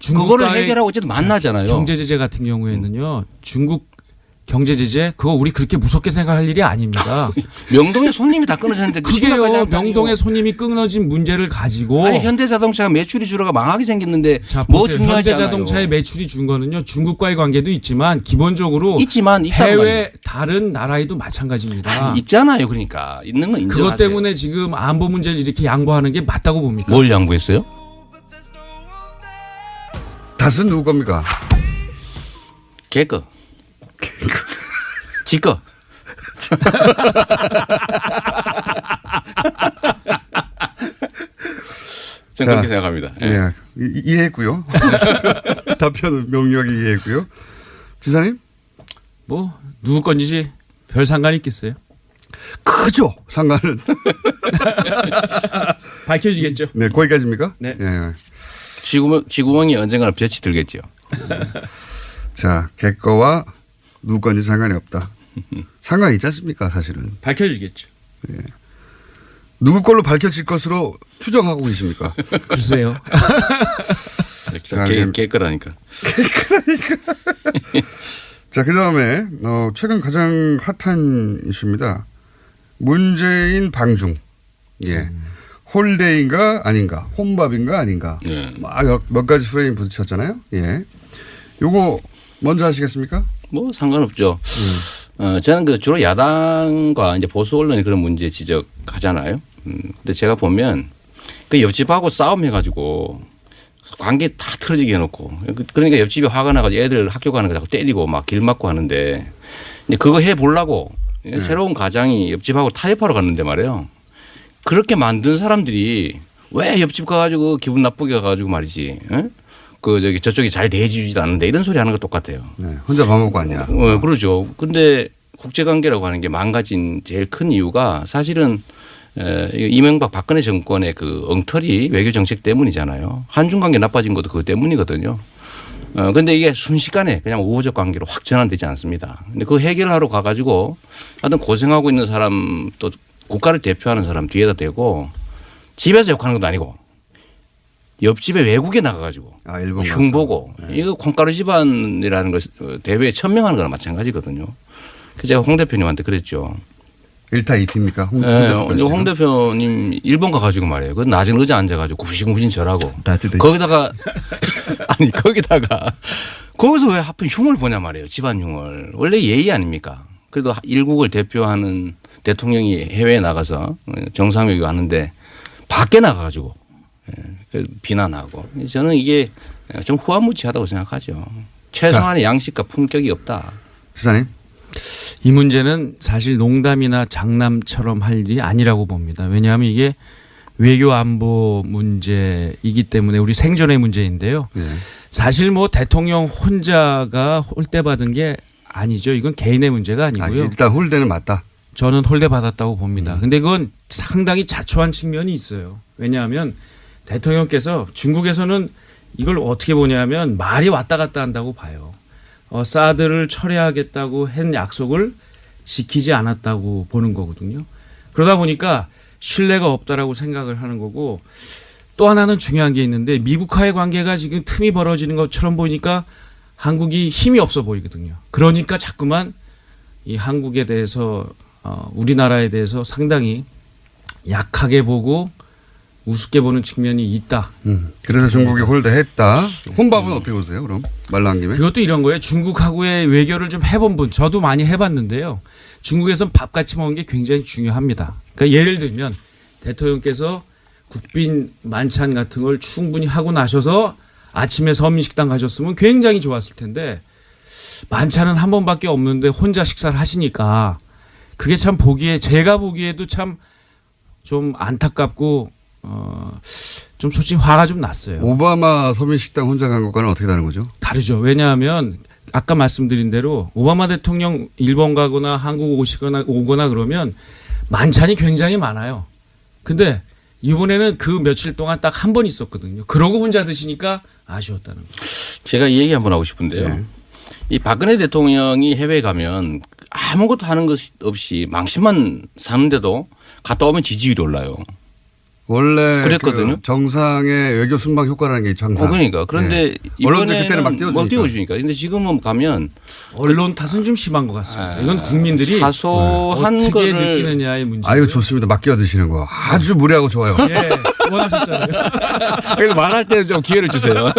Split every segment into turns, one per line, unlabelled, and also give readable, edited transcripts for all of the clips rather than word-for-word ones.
그거를 해결하고 어쨌든 만나잖아요.
경제 제재 같은 경우에는요. 중국 경제 제재 그거 우리 그렇게 무섭게 생각할 일이 아닙니다.
명동에 손님이 다 끊어졌는데
그게요. 명동에 손님이 끊어진 문제를 가지고
아니 현대자동차가 매출이 줄어가 망하게 생겼는데
자,
뭐
보세요.
중요하지 않아요.
현대자동차의 매출이 준 거는요. 중국과의 관계도 있지만 기본적으로
있다고
해외 다른 나라에도 마찬가지입니다.
있잖아요. 그러니까 있는 건 인정하세요.
그것 때문에 지금 안보 문제를 이렇게 양보하는 게 맞다고 봅니까?
뭘 양보했어요?
닷은 누구 겁니까?
개거. 지거. 저는 그렇게 생각합니다.
네. 이해했고요. 답변은 명료하게 이해했고요. 지사님?
뭐 누구 건지 별 상관이 있겠어요?
크죠. 상관은.
밝혀지겠죠.
네. 거기까지입니까?
네.
네.
쥐구멍이 언젠가는 볕이 들겠죠.
자, 개거와 누구 건지 상관이 없다. 상관이 있지 않습니까 사실은.
밝혀지겠죠.
네. 누구 걸로 밝혀질 것으로 추정하고 계십니까?
글쎄요.
개거라니까.
자, 그다음에 최근 가장 핫한 이슈입니다. 문재인 방중. 예. 홀데이인가 아닌가, 혼밥인가 아닌가.
네.
막 몇 가지 프레임 부딪혔잖아요. 예. 요거 먼저 하시겠습니까?
뭐 상관없죠. 저는 그 주로 야당과 이제 보수 언론이 그런 문제 지적하잖아요. 근데 제가 보면 그 옆집하고 싸움해가지고 관계 다 틀어지게 해놓고 그러니까 옆집이 화가 나가지고 애들 학교 가는 거 자꾸 때리고 막 길 막고 하는데 이제 그거 해보려고 새로운 가장이 옆집하고 타협하러 갔는데 말이에요. 그렇게 만든 사람들이 왜 옆집 가가지고 기분 나쁘게 가가지고 말이지. 저쪽이 잘 대해주지도 않는데 이런 소리 하는 거 똑같아요.
네, 혼자 밥 먹고 왔냐.
그러죠. 근데 국제관계라고 하는 게 망가진 제일 큰 이유가 사실은 이명박 박근혜 정권의 그 엉터리 외교 정책 때문이잖아요. 한중 관계 나빠진 것도 그것 때문이거든요. 근데 이게 순식간에 그냥 우호적 관계로 확 전환되지 않습니다. 근데 그 해결하러 가가지고 하여튼 고생하고 있는 사람 또 국가를 대표하는 사람 뒤에다 대고 집에서 욕하는 것도 아니고 옆집에 외국에 나가가지고
일본
흉보고 이거 콩가루 집안이라는 걸 대회에 천명하는 거랑 마찬가지거든요. 그래서 제가 홍 대표님한테 그랬죠.
1타 2티입니까?
홍 대표님 일본 가가지고 말이에요. 그 낮은 의자 앉아가지고 구시구신 절하고 거기다가 아니 거기다가 거기서 왜 하필 흉을 보냐 말이에요. 집안 흉을. 원래 예의 아닙니까? 그래도 일국을 대표하는 대통령이 해외에 나가서 정상회의 하는데 밖에 나가가지고 비난하고 저는 이게 좀 후한무치하다고 생각하죠. 최소한의 양식과 품격이 없다.
지사님.
이 문제는 사실 농담이나 장남처럼 할 일이 아니라고 봅니다. 왜냐하면 이게 외교 안보 문제이기 때문에 우리 생존의 문제인데요.
네.
사실 뭐 대통령 혼자가 홀대받은 게 아니죠. 이건 개인의 문제가 아니고요.
일단 홀대는 맞다.
저는 홀대받았다고 봅니다. 근데 그건 상당히 자초한 측면이 있어요. 왜냐하면 대통령께서 중국에서는 이걸 어떻게 보냐면 말이 왔다 갔다 한다고 봐요. 사드를 철회하겠다고 한 약속을 지키지 않았다고 보는 거거든요. 그러다 보니까 신뢰가 없다라고 생각을 하는 거고 또 하나는 중요한 게 있는데 미국과의 관계가 지금 틈이 벌어지는 것처럼 보이니까 한국이 힘이 없어 보이거든요. 그러니까 자꾸만 이 한국에 대해서 우리나라에 대해서 상당히 약하게 보고 우습게 보는 측면이 있다.
그래서 중국이 홀대했다. 혼밥은 어떻게 보세요? 그럼 말 나온 김에.
그것도 이런 거예요. 중국하고의 외교를 좀 해본 분. 저도 많이 해봤는데요. 중국에서는 밥 같이 먹는 게 굉장히 중요합니다. 그러니까 예를 들면 대통령께서 국빈 만찬 같은 걸 충분히 하고 나셔서 아침에 서민식당 가셨으면 굉장히 좋았을 텐데 만찬은 한 번밖에 없는데 혼자 식사를 하시니까 그게 참 제가 보기에도 참 좀 안타깝고 좀 솔직히 화가 좀 났어요.
오바마 서민식당 혼자 간 것과는 어떻게 다른 거죠?
다르죠. 왜냐하면 아까 말씀드린 대로 오바마 대통령 일본 가거나 한국 오거나 그러면 만찬이 굉장히 많아요. 근데 이번에는 그 며칠 동안 딱 한 번 있었거든요. 그러고 혼자 드시니까 아쉬웠다는 거예요.
제가 이 얘기 한번 하고 싶은데요.
네.
이 박근혜 대통령이 해외에 가면 아무것도 하는 것 없이 망신만 사는데도 갔다 오면 지지율이 올라요.
원래
그랬거든요.
그 정상의 외교 순방 효과라는 게 항상.
그러니까 그런데
언론들 그때는 막
이번에는 띄워주니까. 근데 지금은 가면
언론 탓은 좀 심한 것 같습니다. 이건 국민들이
사소한
어떻게
거를
느끼느냐의 문제.
아유 좋습니다. 막 끼어드시는 거 아주 무례하고 좋아요.
예, 원하셨잖아요.
그래서 말할 때는 좀 기회를 주세요.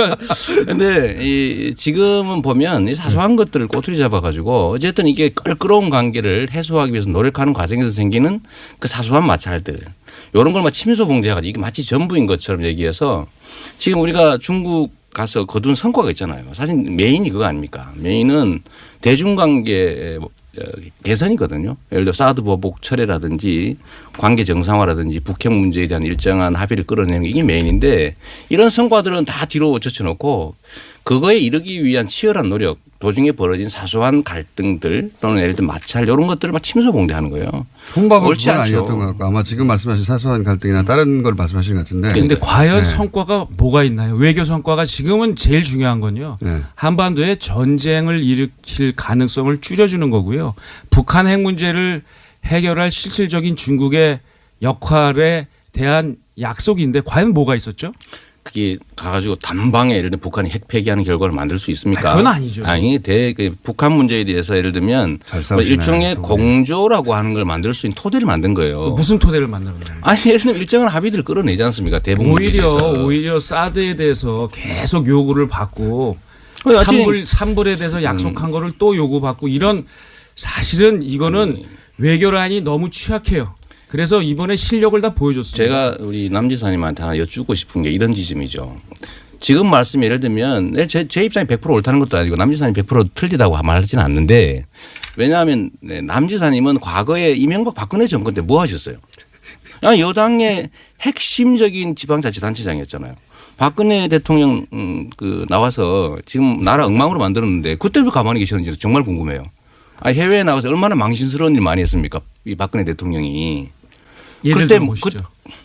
근데 지금은 보면 이 사소한 것들을 꼬투리 잡아가지고 어쨌든 이게 껄끄러운 관계를 해소하기 위해서 노력하는 과정에서 생기는 그 사소한 마찰들. 이런 걸 막 침소 봉제해가지고 이게 마치 전부인 것처럼 얘기해서 지금 우리가 중국 가서 거둔 성과가 있잖아요. 사실 메인이 그거 아닙니까? 메인은 대중관계 개선이거든요. 예를 들어 사드 보복 철회라든지 관계 정상화라든지 북핵 문제에 대한 일정한 합의를 끌어내는 게 이게 메인인데 이런 성과들은 다 뒤로 젖혀놓고 그거에 이르기 위한 치열한 노력 도중에 벌어진 사소한 갈등들 또는 예를 들어 마찰 이런 것들을 막 침소봉대하는 거예요.
홍밥은
옳지
그건
않죠.
아니었던 것 같고 아마 지금 말씀하신 사소한 갈등이나 다른 걸 말씀하시는 것 같은데.
근데 과연
네.
성과가 뭐가 있나요? 외교 성과가 지금은 제일 중요한 건요.
네.
한반도에 전쟁을 일으킬 가능성을 줄여주는 거고요. 북한 핵 문제를 해결할 실질적인 중국의 역할에 대한 약속인데 과연 뭐가 있었죠?
그게 가가지고 단방에 예를 들면 북한이 핵 폐기하는 결과를 만들 수 있습니까?
그건 아니죠.
아니, 북한 문제에 대해서 예를 들면
잘
뭐
싸우시네,
일종의
저분이.
공조라고 하는 걸 만들 수 있는 토대를 만든 거예요.
무슨 토대를 만들었나요?
아니 예를 들면 일정한 합의들을 끌어내지 않습니까? 대북 문제에 대해서.
오히려 사드에 대해서 계속 요구를 받고
여튼
산불에 대해서 약속한 거를 또 요구받고 이런 사실은 이거는 외교란이 너무 취약해요. 그래서 이번에 실력을 다 보여줬습니다.
제가 우리 남 지사님한테 하나 여쭙고 싶은 게 이런 지점이죠. 지금 말씀 예를 들면 제 입장이 100% 옳다는 것도 아니고 남 지사님 100% 틀리다고 말하지는 않는데 왜냐하면 남 지사님은 과거에 이명박 박근혜 정권 때 뭐 하셨어요? 여당의 핵심적인 지방자치단체장이었잖아요. 박근혜 대통령 나와서 지금 나라 엉망으로 만들었는데 그때 왜 가만히 계셨는지 정말 궁금해요. 해외에 나가서 얼마나 망신스러운 일 많이 했습니까? 이 박근혜 대통령이.
예를
그때
들어보시죠.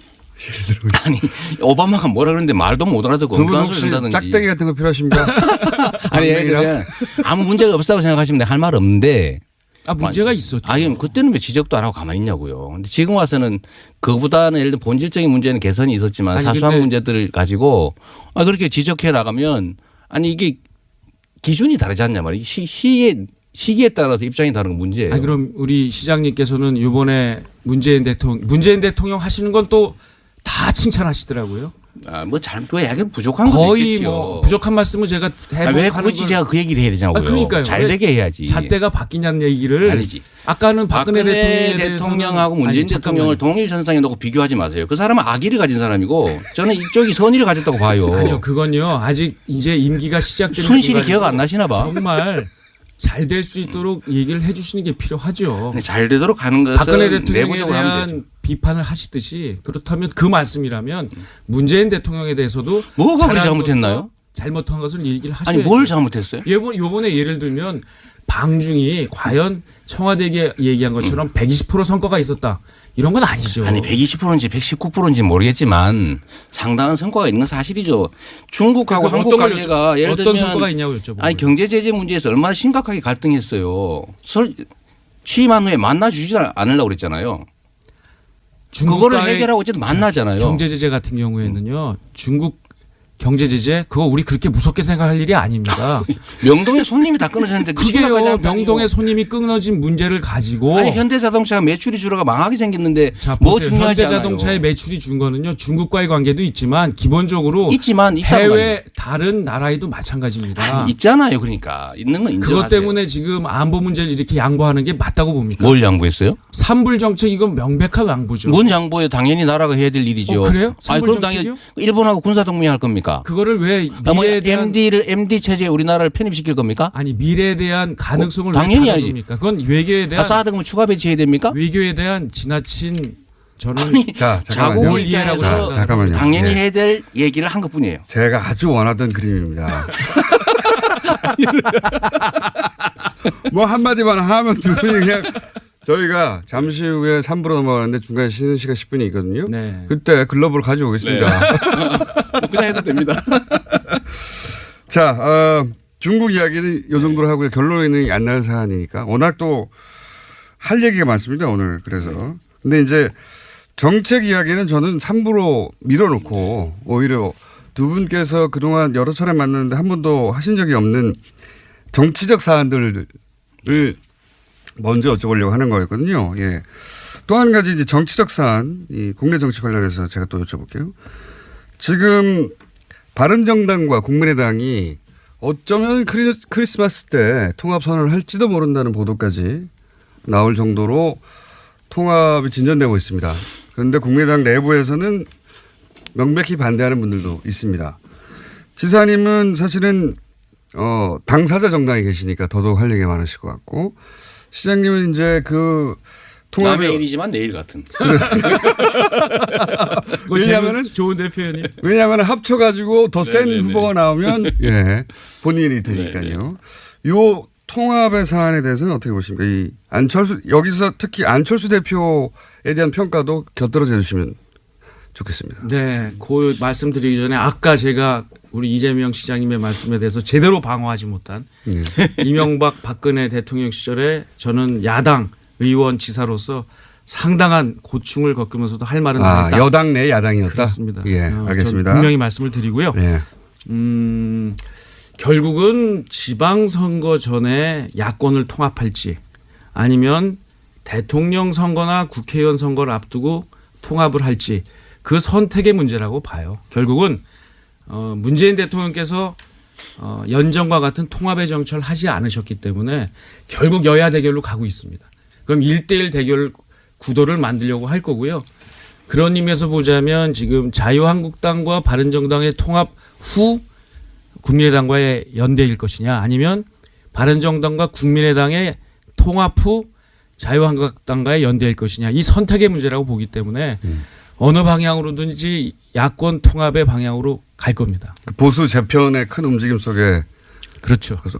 아니 오바마가 뭐라 그러는데 말도 못 알아듣고
두 분
엉뚱한
혹시
소리 한다든지.
짝대기 같은 거 필요하십니까?
아니 예를 들면 아무 문제가 없다고 생각하시면 할 말 없는데
문제가 있었죠.
아니 그때는 왜 지적도 안 하고 가만히 있냐고요. 근데 지금 와서는 그보다는 예를 들어 본질적인 문제는 개선이 있었지만
아니,
사소한
근데
문제들을 가지고 그렇게 지적해 나가면 아니 이게 기준이 다르지 않냐 말이에요. 시기에 따라서 입장이 다른 건 문제예요.
그럼 우리 시장님께서는 이번에 문재인 대통령 하시는 건 또 다 칭찬하시더라고요.
그 얘기 부족한 거
거의
있겠죠.
뭐 부족한 말씀을 제가
왜 굳이 제가 그 얘기를 해야 되냐고요.
그러니까요.
잘 되게 해야지.
잣대가 바뀌냐는 얘기를
아니지.
아까는 박근혜
대통령하고 문재인 대통령을
잠깐만요.
동일선상에 놓고 비교하지 마세요. 그 사람은 악의를 가진 사람이고 저는 이쪽이 선의를 가졌다고 봐요.
아니요, 그건요. 아직 이제 임기가 시작되는
순실이
순간이고
기억 안 나시나 봐.
정말 잘 될 수 있도록 얘기를 해 주시는 게 필요하죠.
근데 잘 되도록 가는 것은
박근혜 대통령에
내부적으로 하면 되죠.
대한 비판을 하시듯이 그렇다면 그 말씀이라면 문재인 대통령에 대해서도
뭐가 그리
잘한
잘못했나요?
것과 잘못한 것을 얘기를 하셔야죠.
아니 뭘 잘못했어요?
요번에 예를 들면 방중이 과연 청와대에 얘기한 것처럼 120% 성과가 있었다. 이런 건 아니죠.
아니 120%인지 119%인지 모르겠지만 상당한 성과가 있는 건 사실이죠. 중국하고
그러니까
한국
어떤
관계가 예를
어떤
들면
성과가 있냐고 여쭤보고.
아니 경제 제재 문제에서 얼마나 심각하게 갈등했어요. 취임한 후에 만나주지 않으려고 그랬잖아요. 그거를 해결하고 어쨌든 만나잖아요.
경제 제재 같은 경우에는요. 중국 경제 제재 그거 우리 그렇게 무섭게 생각할 일이 아닙니다.
명동에 손님이 다 끊어졌는데 그 심각하지
그게요.
않다니요.
명동에 손님이 끊어진 문제를 가지고
아니 현대자동차가 매출이 줄어가 망하게 생겼는데
자,
뭐
보세요.
중요하지 않아요.
현대자동차의 매출이 준 거는요. 중국과의 관계도 있지만 기본적으로
있지만 있다는 거
해외 다른 나라에도 마찬가지입니다.
아니, 있잖아요. 그러니까 있는 건 인정하세요.
그것 때문에 지금 안보 문제를 이렇게 양보하는 게 맞다고 봅니까?
뭘 양보했어요?
산불 정책 이건 명백한 양보죠.
뭔 양보에 당연히 나라가 해야 될 일이죠.
그래요?
아니
산불
그럼 당연히
정책이요?
일본하고 군사 동맹할 겁니까?
그거를 왜
뭐
미래에 대한
MD 체제에 우리나라를 편입시킬 겁니까?
아니 미래에 대한 가능성을
당연히
왜
아니지.
다뤄둡니까? 그건 외교에 대한
사드 그러면 추가 배치해야 됩니까?
외교에 대한 지나친 저는
자,
자국
잠깐만요.
이해라고
입장에서
생각합니다.
잠깐만요.
당연히
예.
해야 될 얘기를 한 것뿐이에요.
제가 아주 원하던 그림입니다. 뭐 한마디만 하면 두 분이 그냥 저희가 잠시 후에 3부로 넘어가는데 중간에 쉬는 시간 10분이 있거든요.
네.
그때 글러브를 가지고 오겠습니다.
그냥 해도 됩니다.
자, 중국 이야기는 이 정도로 하고요. 결론이 안 날 사안이니까. 워낙 또 할 얘기가 많습니다. 오늘 그래서. 근데 이제 정책 이야기는 저는 3부로 밀어놓고 오히려 두 분께서 그동안 여러 차례 만났는데 한 번도 하신 적이 없는 정치적 사안들을 먼저 여쭤보려고 하는 거였거든요. 예. 또 한 가지 이제 정치적 사안, 이 국내 정치 관련해서 제가 또 여쭤볼게요. 지금 바른정당과 국민의당이 어쩌면 크리스마스 때 통합 선언을 할지도 모른다는 보도까지 나올 정도로 통합이 진전되고 있습니다. 그런데 국민의당 내부에서는 명백히 반대하는 분들도 있습니다. 지사님은 사실은 당사자 정당에 계시니까 더더욱 할 얘기가 많으실 것 같고 시장님은 이제 그 통합의
남의 일이지만 내일 같은.
왜냐하면 좋은데 표현이.
왜냐하면 합쳐가지고 더 센
네네네.
후보가 나오면 예 본인이 되니까요. 요 통합의 사안에 대해서는 어떻게 보십니까? 이 안철수 여기서 특히 안철수 대표에 대한 평가도 곁들여져 주시면 좋겠습니다.
네, 그 말씀드리기 전에 아까 제가 우리 이재명 시장님의 말씀에 대해서 제대로 방어하지 못한 이명박 박근혜 대통령 시절에 저는 야당 의원 지사로서 상당한 고충을 겪으면서도 할 말은 다 했다.
여당 내 야당이었다.
그렇습니다.
예, 알겠습니다.
분명히 말씀을 드리고요.
예.
결국은 지방선거 전에 야권을 통합할지 아니면 대통령 선거나 국회의원 선거를 앞두고 통합을 할지 그 선택의 문제라고 봐요. 결국은 문재인 대통령께서 연정과 같은 통합의 정치를 하지 않으셨기 때문에 결국 여야 대결로 가고 있습니다. 그럼 1대1 대결 구도를 만들려고 할 거고요. 그런 의미에서 보자면 지금 자유한국당과 바른정당의 통합 후 국민의당과의 연대일 것이냐 아니면 바른정당과 국민의당의 통합 후 자유한국당과의 연대일 것이냐 이 선택의 문제라고 보기 때문에 어느 방향으로든지 야권 통합의 방향으로 갈 겁니다.
보수 재편의 큰 움직임 속에
그렇죠.
그래서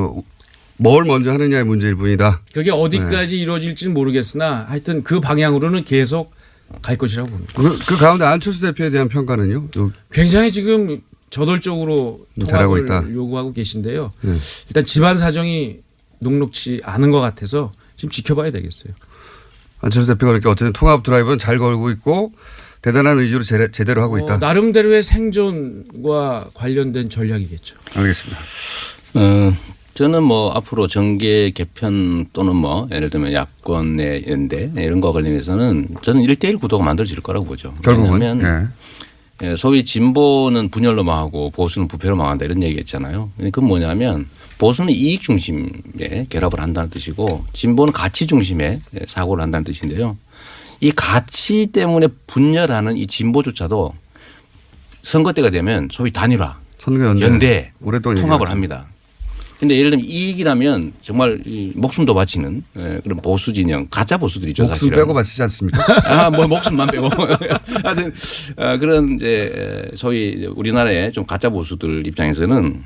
뭘 먼저 하느냐의 문제일 뿐이다.
그게 어디까지 이루어질지는 모르겠으나 하여튼 그 방향으로는 계속 갈 것이라고 봅니다.
그 가운데 안철수 대표에 대한 평가는요?
굉장히 지금 저돌적으로
잘하고
통합을
있다.
요구하고 계신데요. 일단 집안 사정이 녹록치 않은 것 같아서 지금 지켜봐야 되겠어요.
안철수 대표가 이렇게 어쨌든 통합 드라이브는 잘 걸고 있고 대단한 의지로 제대로 하고 있다.
나름대로의 생존과 관련된 전략이겠죠.
알겠습니다.
저는 뭐 앞으로 정계 개편 또는 뭐 예를 들면 야권 내 연대 이런 거와 관련해서는 저는 1대1 구도가 만들어질 거라고 보죠.
결국은.
왜냐하면 소위 진보는 분열로 망하고 보수는 부패로 망한다 이런 얘기했잖아요. 그건 뭐냐면 보수는 이익 중심의 결합을 한다는 뜻이고 진보는 가치 중심의 사고를 한다는 뜻인데요. 이 가치 때문에 분열하는 이 진보조차도 선거 때가 되면 소위 단일화, 연대,
오랫동안
통합을 합니다. 그런데 예를 들면 이익이라면 정말 목숨도 바치는 그런 보수 진영, 가짜 보수들이죠.
목숨
사실은.
빼고 바치지 않습니까?
뭐 목숨만 빼고. 하여튼 그런 이제 소위 우리나라의 좀 가짜 보수들 입장에서는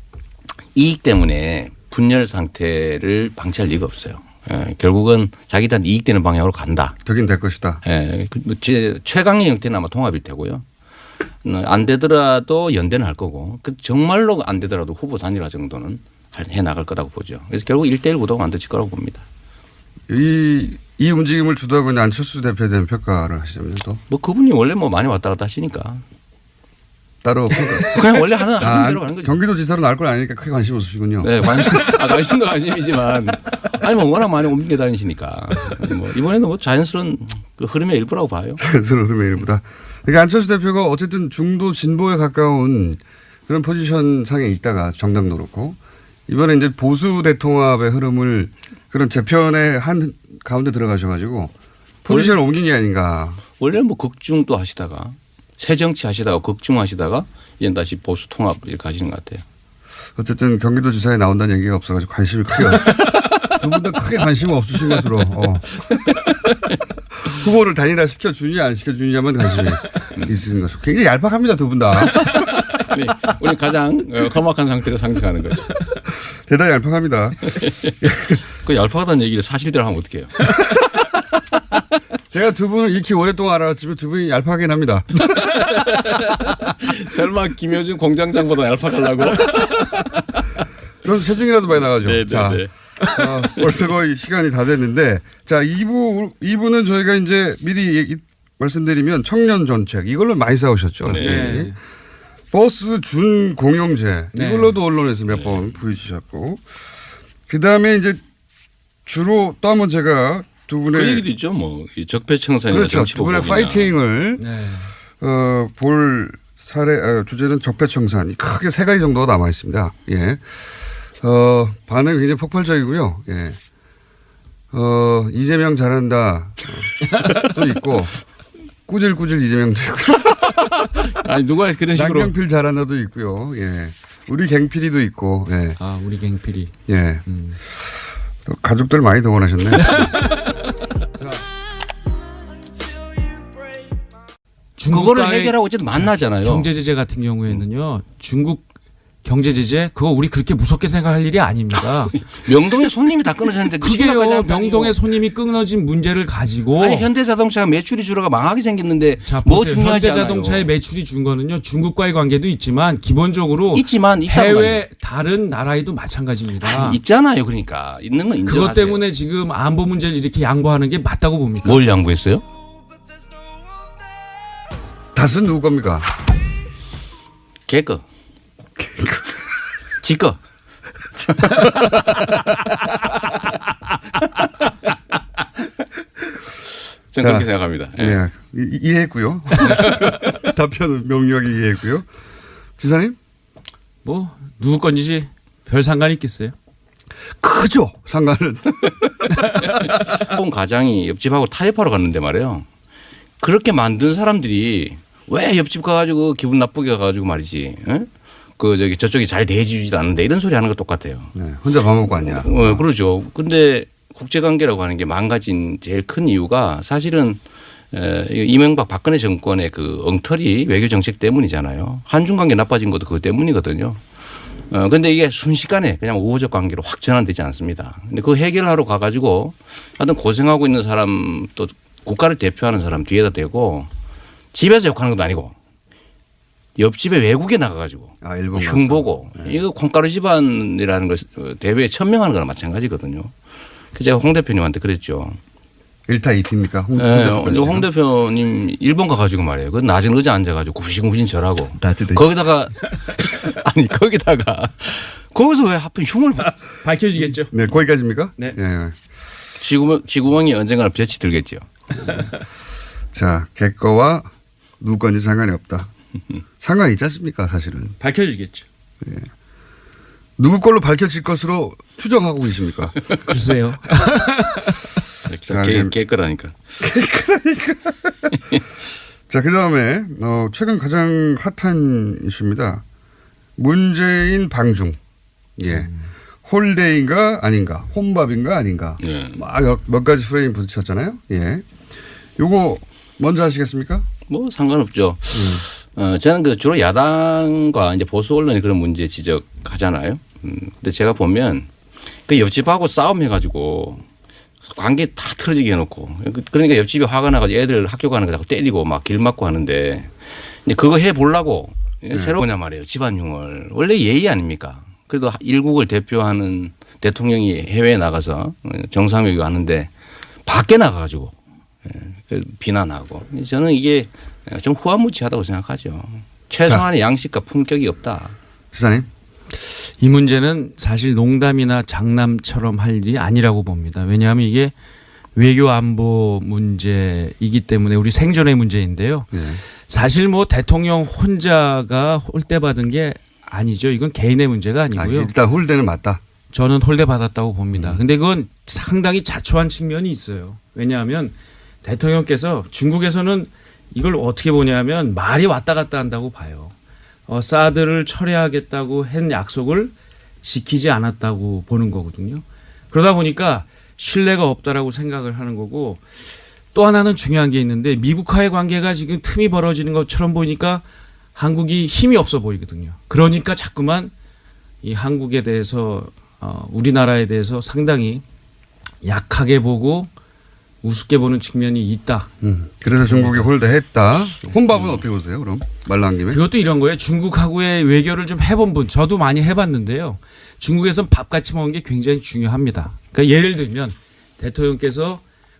이익 때문에 분열 상태를 방치할 리가 없어요. 결국은 자기들한테 이익되는 방향으로 간다.
되긴 될 것이다.
제 최강의 형태는 아마 통합일 테고요. 안 되더라도 연대는 할 거고 정말로 안 되더라도 후보 단일화 정도는 해 나갈 거라고 보죠. 그래서 결국 1대1 구도가 만들어질 거라고 봅니다.
이 움직임을 주도하고 있는 안철수 대표에 대한 평가를 하시자면 또.
뭐 그분이 원래 뭐 많이 왔다 갔다 하시니까.
따로
그냥 원래 하는 대로 가는 거죠.
경기도 지사로 나올 건 아니니까 크게 관심 없으시군요.
네, 관심도 관심이지만 아니 뭐 워낙 많이 옮겨 다니시니까 뭐 이번에는 뭐 자연스러운 그 흐름의 일부라고 봐요.
자연스러운 흐름의 일부다. 그러니까 안철수 대표가 어쨌든 중도 진보에 가까운 그런 포지션 상에 있다가 정당도 그렇고 이번에 이제 보수 대통합의 흐름을 그런 재편의 한 가운데 들어가셔가지고 포지션을 옮긴 게 아닌가.
원래 뭐 극중도 하시다가 새 정치 하시다가 극중하시다가 이제 다시 보수 통합 이렇게 하시는 것 같아요.
어쨌든 경기도지사에 나온다는 얘기가 없어가지고 관심이 크게 두 분 다 크게 관심 없으신 것으로 후보를 단일화 시켜주느냐 안 시켜주느냐만 관심이 있으신 것으로 굉장히 얄팍합니다 두 분 다.
우리 가장 험악한 상태로 상징하는 거죠.
대단히 얄팍합니다.
그 얄팍하다는 얘기를 사실대로 하면 어떡해요.
제가 두 분을 이렇게 오랫동안 알아봤지만 두 분이 얄팍하긴 합니다.
설마 김효준 공장장보다 얄팍하려고?
저는 체중이라도 많이 나가죠.
네네네.
자, 벌써 거의 시간이 다 됐는데 자 2부는 저희가 이제 미리 말씀드리면 청년 정책 이걸로 많이 싸우셨죠.
네.
버스 준 공용제
네.
이걸로도 언론에서 몇 번 부딪히셨고 그다음에 이제 주로 또 한번 제가 두 분의
그 얘기도 있죠. 뭐 적폐청산이나
그렇죠. 두
정치보복이나.
분의 파이팅을
네.
볼 사례 주제는 적폐청산 크게 세 가지 정도가 남아 있습니다. 예. 반응이 굉장히 폭발적이고요. 예. 이재명 잘한다 또 있고 꾸질꾸질 이재명도 있고
아니 누가 그런 식으로
남경필 잘한다도 있고요. 예. 우리 갱필이도 있고. 예.
아, 우리 갱필이.
예. 또 가족들 많이 동원하셨네.
그거를 해결하고 어쨌든 만나잖아요.
경제 제재 같은 경우에는요. 중국 경제 제재 그거 우리 그렇게 무섭게 생각할 일이 아닙니다.
명동에 손님이 다 끊어졌는데 그 심각하지
그게요.
않다니요.
명동에 손님이 끊어진 문제를 가지고
아니 현대자동차가 매출이 줄어가 망하게 생겼는데
자,
뭐
보세요.
중요하지 않아요.
현대자동차의 매출이 준 거는요. 중국과의 관계도 있지만 기본적으로
있지만 있다고
해외 다른 나라에도 마찬가지입니다.
있잖아요. 그러니까 있는 건 인정하세요.
그것 때문에 지금 안보 문제를 이렇게 양보하는 게 맞다고 봅니까?
뭘 양보했어요?
닷은 누구 겁니까?
걔거. 지거. 저는 그렇게 생각합니다. 예.
네. 이해했고요. 답변은 명료하게 이해했고요. 지사님?
뭐 누구 건지 별 상관이 있겠어요?
크죠. 상관은.
본 가장이 옆집하고 타협하러 갔는데 말이에요. 그렇게 만든 사람들이 왜 옆집 가가지고 기분 나쁘게 가가지고 말이지. 에? 그 저쪽이 잘 대해주지도 않는데 이런 소리 하는 거 똑같아요.
네. 혼자 밥 먹고 왔냐.
그러죠. 근데 국제관계라고 하는 게 망가진 제일 큰 이유가 사실은 이명박 박근혜 정권의 그 엉터리 외교 정책 때문이잖아요. 한중 관계 나빠진 것도 그것 때문이거든요. 근데 이게 순식간에 그냥 우호적 관계로 확 전환되지 않습니다. 근데 그 해결하러 가가지고 하여튼 고생하고 있는 사람 또 국가를 대표하는 사람 뒤에다 대고 집에서 욕하는 것도 아니고 옆집에 외국에 나가가지고
일본
흉보고 이거 콩가루 집안이라는 걸 대회에 천명하는 거랑 마찬가지거든요. 그래서 제가 홍 대표님한테 그랬죠.
1타 2피입니까?
홍 대표님 일본 가가지고 말이에요. 그 낮은 의자 앉아가지고 구시구신 절하고 거기다가 아니 거기다가 거기서 왜 하필 흉을
밝혀지겠죠.
네, 거기까지입니까?
네.
네.
지구멍이 언젠가는 볕이 들겠죠.
자, 걔거와 누구 건지 상관이 없다. 상관이 있지 않습니까 사실은.
밝혀지겠죠.
네. 누구 걸로 밝혀질 것으로 추정하고 계십니까?
글쎄요.
걔 거라니까.
자, 그다음에 최근 가장 핫한 이슈입니다. 문재인 방중. 예. 홀데이인가 아닌가, 혼밥인가 아닌가.
네.
막 몇 가지 프레임 부딪혔잖아요. 예. 요거 먼저 하시겠습니까?
뭐 상관없죠. 저는 그 주로 야당과 이제 보수 언론이 그런 문제 지적하잖아요. 근데 제가 보면 그 옆집하고 싸움해가지고 관계 다 틀어지게 해놓고 그러니까 옆집이 화가 나가지고 애들 학교 가는 거 자꾸 때리고 막 길 막고 하는데 이제 그거 해 보려고 새로 뭐냐 말이에요. 집안흉을 원래 예의 아닙니까? 그래도 일국을 대표하는 대통령이 해외에 나가서 정상회의 하는데 밖에 나가가지고 비난하고 저는 이게 좀 후한무치하다고 생각하죠. 최소한의 양식과 품격이 없다.
지사님.
이 문제는 사실 농담이나 장남처럼 할 일이 아니라고 봅니다. 왜냐하면 이게 외교 안보 문제이기 때문에 우리 생존의 문제인데요.
네.
사실 뭐 대통령 혼자가 홀대받은 게 아니죠. 이건 개인의 문제가 아니고요.
일단 홀대는 맞다.
저는 홀대받았다고 봅니다. 근데 그건 상당히 자초한 측면이 있어요. 왜냐하면 대통령께서 중국에서는 이걸 어떻게 보냐면 말이 왔다 갔다 한다고 봐요. 사드를 철회하겠다고 한 약속을 지키지 않았다고 보는 거거든요. 그러다 보니까 신뢰가 없다라고 생각을 하는 거고 또 하나는 중요한 게 있는데 미국과의 관계가 지금 틈이 벌어지는 것처럼 보이니까 한국이 힘이 없어 보이거든요. 그러니까 자꾸만 이 한국에 대해서 우리나라에 대해서 상당히 약하게 보고 우습게 보는 측면이 있다.
그래서 중국이 홀대했다. 혼밥은 어떻게 보세요? 그럼 말 나온 김에.
그것도 이런 거예요. 중국하고의 외교를 좀 해본 분, 저도 많이 해봤는데요. 중국에서는 밥 같이 먹는 게 굉장히 중요합니다. 그러니까 예를 들면 대통령께서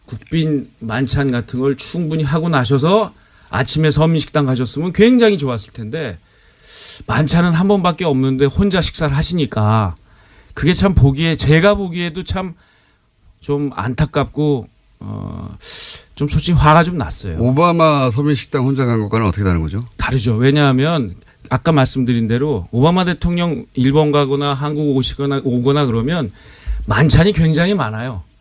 국빈 만찬 같은 걸 충분히 하고 나셔서 아침에 서민식당 가셨으면 굉장히 좋았을 텐데 만찬은 한 번밖에 없는데 혼자 식사를 하시니까 그게 참 보기에 제가 보기에도 참 좀 안타깝고 좀 솔직히 화가 좀 났어요.
오바마 서민식당 혼자 간 것과는 어떻게 다른 거죠?
다르죠. 왜냐하면 아까 말씀드린 대로 오바마 대통령 일본 가거나 한국 오거나 그러면 만찬이 굉장히 많아요.